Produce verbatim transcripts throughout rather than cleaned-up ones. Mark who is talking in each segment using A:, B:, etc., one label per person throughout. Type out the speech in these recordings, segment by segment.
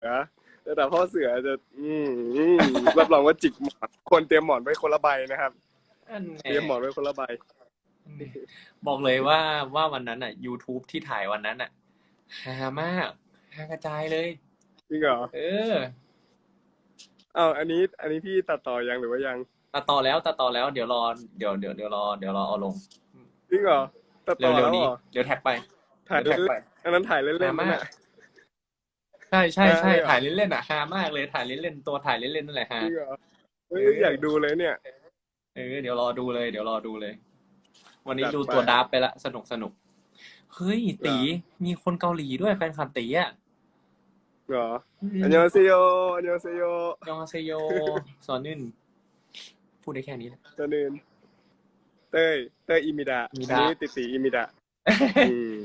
A: แต่แต่พ่อเสือจะอืมรับรองว่าจิกหมอนควรเตรียมหมอนไว้คนละใบนะครับเตรียมหมอนไว้คนละใบ
B: บอกเลยว่าว่าวันนั้นอ่ะ YouTube ที่ถ่ายวันนั้นอ่ะฮามากฮากระจายเลย
A: จริงเหรอ
B: เออ
A: อ้าวอันนี้ อันนี้พี่ตัดต่อยังหรือว่ายัง
B: ตัดต่อแล้วตัดต่อแล้วเดี๋ยวรอเดี๋ยวเดี๋ยวเดี๋ยวรอเดี๋ยวรอเอาลง
A: จริงเหรอตัดต่อแล้วเหรอ
B: เดี๋ยวแท็กไป
A: ถ่ายเล่นๆอันนั้นถ่ายเล่นๆ
B: มากใช่ใช่ใช่ถ่ายเล่นๆอ่ะฮามากเลยถ่ายเล่นๆตัวถ่ายเล่นๆนั่นแหละฮะ
A: จริงเหรอเฮ้ยอยากดูเลยเนี่ย
B: เออเดี๋ยวรอดูเลยเดี๋ยวรอดูเลยวันนี้ดูตัวดับไปละสนุกสนุกเฮ้ยตีมีคนเกาหลีด้วยแฟนคลับตีอ่ะ
A: เหรออันยองเซโยอันยองเซโย
B: ยองเซโยสอนนื่นพูดได้แค่นี้แหละ
A: สอนนื่นเต้ยเต้ยอิมิดะอันนี้ติติอิมิดะอืม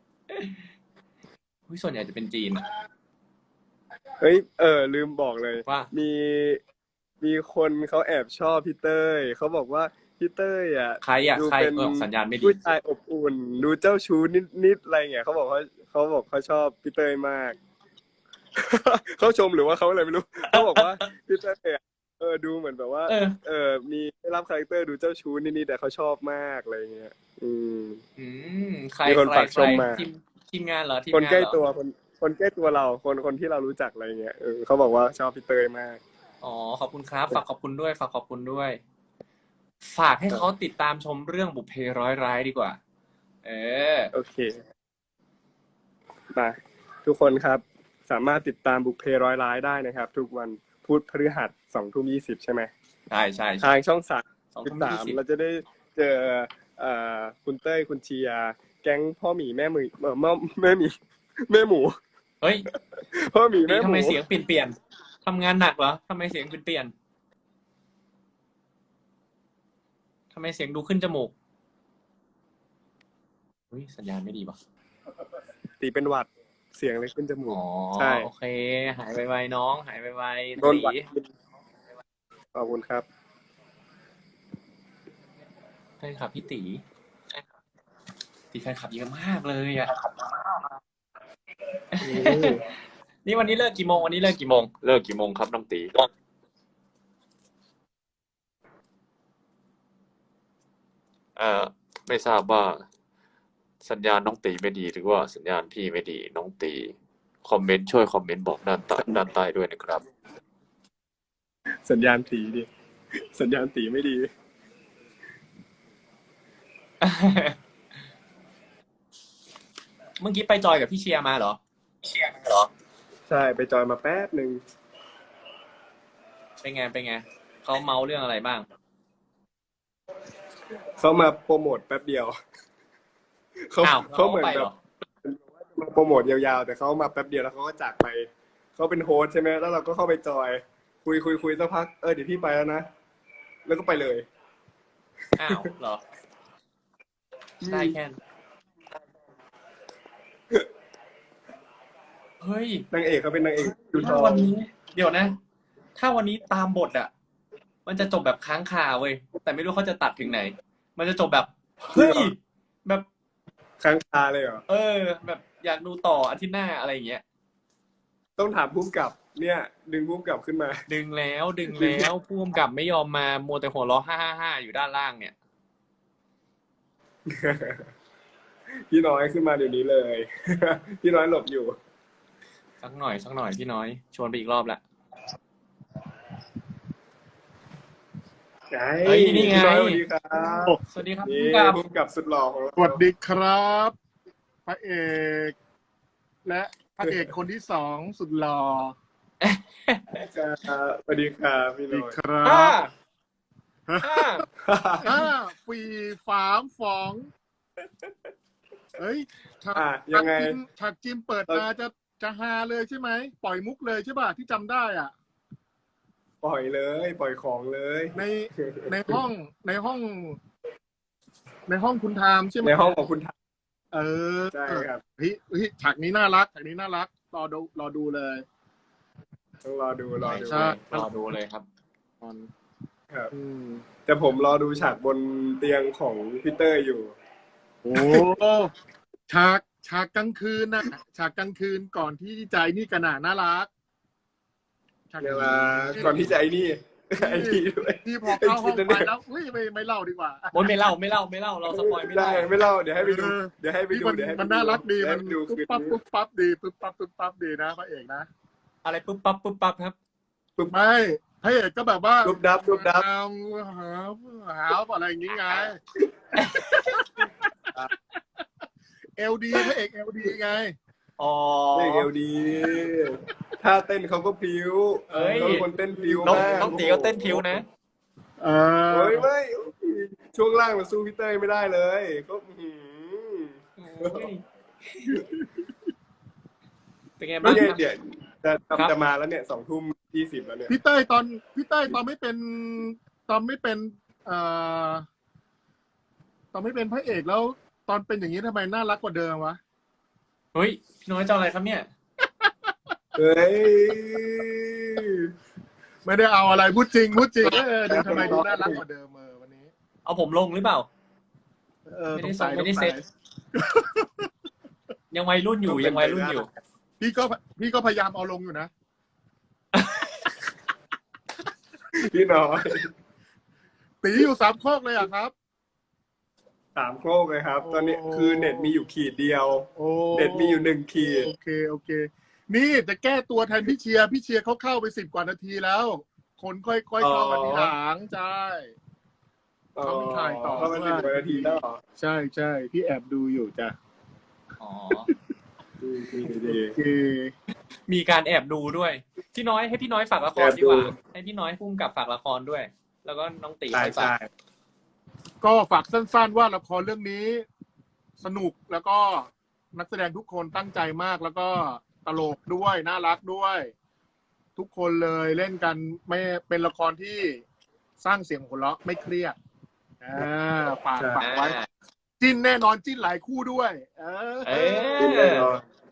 B: ส่วนใหญ่จะเป็นจีน
A: เฮ้ยเออลืมบอกเลย
B: ว่า
A: มีมีคนเขาแอบชอบพี่เต้ยเขาบอกว่าพี่เต้ยอ่ะ
B: ใครอ่ะใครเออสัญญาณไม่ดี
A: ผู้ชายอบอุ่นดูเจ้าชู้นิดๆอะไรเงี้ยเขาบอกว่าเขาบอกเขาชอบพี่เต้ยมากเขาชมหรือว่าเขาอะไรไม่รู้เขาบอกว่าพี่เต้ยเออดูเหมือนแบบว่าเออมีได้รับคาแรคเตอร์ดูเจ้าชู้นิดๆแต่เขาชอบมากอะไรเงี้ยอืม
B: อืมใคร
A: มีคนฝากชมมา
B: ทีมทีมงานเหรอทีมงาน
A: คนใกล้ตัวคนคนใกล้ตัวเราคนคนที่เรารู้จักอะไรเงี้ยเออเขาบอกว่าชอบพี่เต้ยมาก
B: อ๋อขอบคุณครับฝากขอบคุณด้วยฝากขอบคุณด้วยฝากให้เขาติดตามชมเรื่องบุพเพร้อยร้ายดีกว่าเออ
A: โอเคมาทุกคนครับสามารถติดตามบุพเพร้อยร้ายได้นะครับทุกวันพุธพฤหัสสองทุ่มยี่สิบใช่ไหม
B: ใช่ใช่
A: ทางช่องสามสิบสามเราจะได้เจอเอ่อคุณเต้ยคุณเชียร์แก๊งพ่อหมีแม่หมูเออแม่แม่หมีแม่หมู
B: เฮ้ย
A: พ่อหมีแม่หมู
B: ทำไมเสียงเปลี่ยนเปลี่ยนทำงานหนักเหรอทำไมเสียงเปลี่ยนเปลี่ยนทำไมเสียงดูขึ้นจมูกอุ้ยสัญญาณไม่ดีป่ะ
A: ตีเป็นหวัดเสียงเลยขึ้นจมูก
B: ใช่โอเคหายไวๆน้องหายไวๆ
A: โดนหวัดขอบคุณครับ
B: แฟนคลับพี่ตีตีแฟนคลับเยอะมากเลยอ่ะนี่วันนี้เลิกกี่โมงวันนี้เลิกกี่โมงเลิกกี่โมงครับน้องตีเอ่อไม่ทราบว่าสัญญาณน้องตีไม่ดีหรือว่าสัญญาณพี่ไม่ดีน้องตีคอมเมนต์ช่วยคอมเมนต์บอกด้านใต้ด้านใต้ด้วยนะครับ
A: สัญญาณตีดิสัญญาณตีไม่ดี
B: เมื่อกี้ไปจอยกับพี่เชียร์มาเหรอเชียร์เหรอ
A: ใช่ไปจอยมาแป๊บหนึ่ง
B: เป็นไงเป็นไงเขาเมาเรื่องอะไรบ้าง
A: เขามาโปรโมทแป๊บเดียวเขาเขาเหมือนแบบมาโปรโมทยาวๆแต่เขามาแป๊บเดียวแล้วเขาก็จากไปเขาเป็นโฮสใช่ไหมแล้วเราก็เข้าไปจอยคุยคุยคุยสักพักเออเดี๋ยวพี่ไปแล้วนะแล้วก็ไปเลย
B: อ้าวเหรอได้แค่เฮ้ย
A: นางเอกเขาเป็นนางเอก
B: ถ้าวันนี้เดี๋ยวนะถ้าวันนี้ตามบทอ่ะมันจะจบแบบค้างคาเว้ยแต่ไม่รู้เขาจะตัดถึงไหนมันจะจบแบบเฮ้ยแบบ
A: ค้างคาเลยเหรอ
B: เออแบบอยากดูต่ออาทิตย์หน้าอะไรอย่างเงี้ย
A: ต้องถามผู้กำกับเนี่ยดึงผู้กำกับขึ้นมา
B: ดึงแล้วดึงแล้วผู้กำกับไม่ยอมมามัวแต่หัวเราะฮ่าฮ่าฮ่าอยู่ด้านล่างเนี่ย
A: พี่น้อยขึ้นมาเดี๋ยวนี้เลยพี่น้อยหลบอยู่
B: สักหน่อยสักหน่อยพี่น้อยชวนไปอีกรอบละ
A: เฮ้ยนี่ไงสวัสดีครับ
B: สวัสดีครับ
A: ผู้กำกับสุดหล่อของเรา
C: สวัสดีครับพระเอกและพระเอกคนที่สองสุดหล่อ
A: สวัสดีครับพี่น้อย
C: ครับห้าฟีฝามฝองเฮ้ยฉาก
A: ยังไง
C: ฉากจิมเปิดมาจะจะฮาเลยใช่ไหมปล่อยมุกเลยใช่ป่ะที่จำได้อ่ะ
A: ปล่อยเลยปล่อยของเลย
C: ในในห้องในห้องในห้องคุณทามใช่ไหม
A: ในห้องของคุณทาม
C: เออ
A: ใช่ครับ
C: เฮ้ยเฮ้ยฉากนี้น่ารักฉากนี้น่ารักรอดูรอดูเลย
A: ต้องรอดูรอดู
B: รอดูเลยครับ
A: ครับแต่ผมรอดูฉากบนเตียงของพี่เตอร์อยู่
C: โอ้ฉากฉากกลางคืนนะฉากกลางคืนก่อนที่ใจนี่กระหน่าน่ารักฉาก
A: เวลาก่อนที่จะไอ้นี่ไอ้นี่ด้วย
C: ที่พอเข้าห้องไปแล้วอุ้ยไม่ไม่เล่าดีกว่า
D: โอ้ยไม่เล่าไม่เล่าไม่เล่าเราสปอยไม่
A: ได้
D: ได้
A: ไม่เล่าเดี๋ยวให้ไปดู
C: เออ
A: เดี๋ยวให้ไป
C: นี่
A: ดู
C: มัน
A: เดี๋ยวให้ไป
C: มันน่ารักดี
A: เยว
C: มั
A: ให้
C: น
A: ไปดู
C: ปุ๊บ
A: คืน
C: ปั๊บ
A: นี้
C: ปุ๊บปั๊บดีปุ๊บปั๊บปุ๊บปั๊บดีนะพระเอกนะ
D: อะไรปุ๊บปั๊บปุ๊บปั๊บครับ
C: ไม่พระเอกก็แบบว่า
A: รูปดับรูปดับ
C: หาหาหาอะไรอย่างงี้ไงเอลดีพระเอกเอลดีไง
D: อ๋อ
A: เล่นเอลดีถ้าเต้นเขาก็พลิ้ว
D: เอ้ย
A: เขาเป็นคนเต้นพลิ้ว
D: น้อง
A: มาก
D: น้องตีก็เต้นผิวนะ
C: เออ
A: โอ้ยไม่ช่วงล่างมันสู้พี่เต้ยไม่ได้เลยก็อื้อหือ
D: เป็นไง
A: ไม่
D: บ้าง
A: ใช่
D: ครับ
A: เดี๋ยวจะ
D: ครับ
A: จะมาแล้วเนี่ยสองทุ่มยี่สิบแล้วเนี่ย
C: พี่เต้ยตอนพี่เต้ยตอนไม่เป็นตอนไม่เป็นเอ่อตอนไม่เป็นพระเอกแล้ว ตอนเป็นอย่างนี้ทำไมน่ารักกว่าเดิมวะ
D: เฮ้ยพี่น้อยจะเอาอะไรครับเนี่ย
A: เฮ้ย
C: ไม่ได้เอาอะไรพูดจริงพูดจริงเออดูทำไมดูน่ารักกว่าเดิมเออวันนี้
D: เอาผมลงหรือเปล่า
C: เออ
D: ไม่ได้
C: สงสัย
D: ส่งไม่ได้
C: สงสัย
D: เซ็ต ยังวัยรุ่นอยู่ยังวัยรุ่นอยู่
C: พี่ก็พี่ก็พยายามเอาลงอยู่นะ
A: พี่น้อย
C: ตีอยู่สามโคกเลยอ่ะครับ
A: สามโคกเลยครับ
C: โอ้
A: ตอนนี้คือเน็ตมีอยู่ขีดเดียว
C: โอ้
A: เน็ตมีอยู่หนึ่งขีด
C: โอเคโอเค นี่จะแก้ตัวแทนพี่เชียร์พี่เชียร์เขาเข้าไปสิบกว่านาทีแล้ว คนค่อยๆเข้ามาทีหลังใช่ เขาไม่ถ่ายต่อ
A: เข้ามาสิบกว่านาทีแล้วเหรอ
C: ใช่ใช่พี่แอบดูอยู่จ้ะ
D: อ๋อ
A: ดีดีดี
C: โอเค
D: มีการแอบดูด้วย พี่น้อยให้พี่น้อยฝากละครดีกว่า ให้พี่น้อยพุ่มกับฝากละครด้วย แล้วก็น้องตี
A: ใช่
D: ไปฝา
A: ใช่
D: ก
C: ก็ฝากสั้นๆว่าละครเรื่องนี้ สนุกแล้วก็นักแสดงทุกคนตั้งใจมากแล้วก็ตลกด้วยน่ารักด้วย ทุกคนเลยเล่นกันไม่เป็นละครที่สร้างเสียงหัวเราะไม่เครียดอ่าฝากฝากไว้ จิ้นแน่นอนจิ้นหลายคู่ด้วย เออ
D: เออ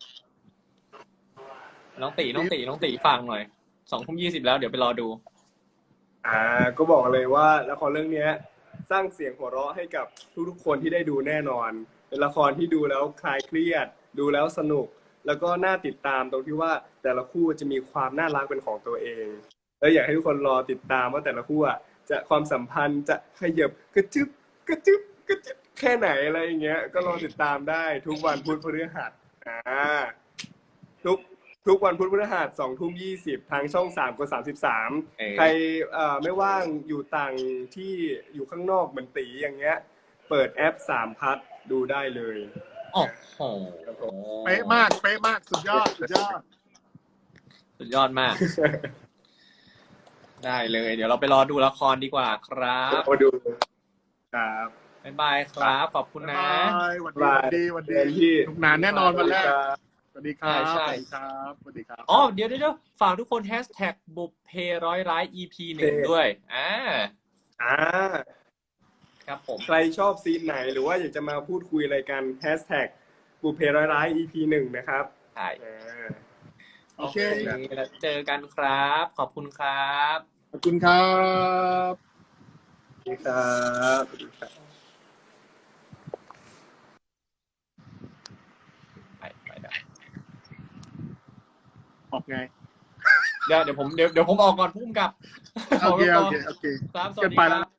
D: น้องตีน้องตีน้องตีฟังหน่อยสองทุ่มยี่สิบแล้วเดี๋ยวไปรอดู
A: อ่าก็บอกเลยว่าละครเรื่องเนี้ย สร้างเสียงหัวเราะให้กับทุกๆคนที่ได้ดูแน่นอน เป็นละครที่ดูแล้วคลายเครียด ดูแล้วสนุก แล้วก็น่าติดตามตรงที่ว่าแต่ละคู่จะมีความน่ารักเป็นของตัวเองแล้วอยากให้ทุกคนรอติดตามว่าแต่ละคู่อ่ะจะความสัมพันธ์จะขยับกระจึบกระจึบกระจึบแค่ไหนอะไรอย่างเงี้ย ก็รอติดตามได้ทุกวันพุธพฤหัสอ่าทุกทุกวันพุธพฤหัสสองทุ่มยี่สิบทางช่องสามกดสามสิบสาม
D: เออ
A: ใครเอ่อไม่ว่างอยู่ต่างที่อยู่ข้างนอกเหมือนตีอย่างเงี้ย เปิดแอปสามพัทดูได้เลย
D: โอ้โห
C: เป๊ะมากเป๊ะมากสุดยอดสุดยอด
D: สุดยอดมาก ได้เลย เดี๋ยวเราไปรอดูละครดีกว่าครับ
A: มาดูครับ
D: บ๊ายบายครับ ขอบคุณนะ
C: บายวันดีวันดีวันดี
A: ที่
C: สนุกหนานแน่นอนวันแรก สวัสดีครับ
D: ใช่
C: ส
D: ใช่
C: วัสดีครับสวัสดีครับ
D: อ๋อเดี๋ยวเดี๋ยวเดี๋ยวฝากทุกคนแฮชแท็กบุพเพร้อยร้าย อี พี หนึ่งด้วยอ่า
A: อ่า
D: ครับผม
A: ใครชอบซีนไหนหรือว่าอยากจะมาพูดคุยอะไรกันแฮชแท็กบุพเพร้อยร้าย อี พี หนึ่งนะครับ
D: ใช่
A: อ่า
C: โอเค
D: แล้วเจอกันครับ ขอบคุณครับ
C: ขอบคุณครับ
A: สวัสดีครับสวัสดีครับ
D: ไปไปได้
C: ออกไง
D: เดี๋ยวเดี๋ยวผมเดี๋ยวเดี๋ยวผมออกก่อนพุ่มกับ
C: โอเคโอเคโอเค
D: ครับสวัสดี
C: เกิน
D: ค
C: ไป
D: รั
C: แล้ว
D: บ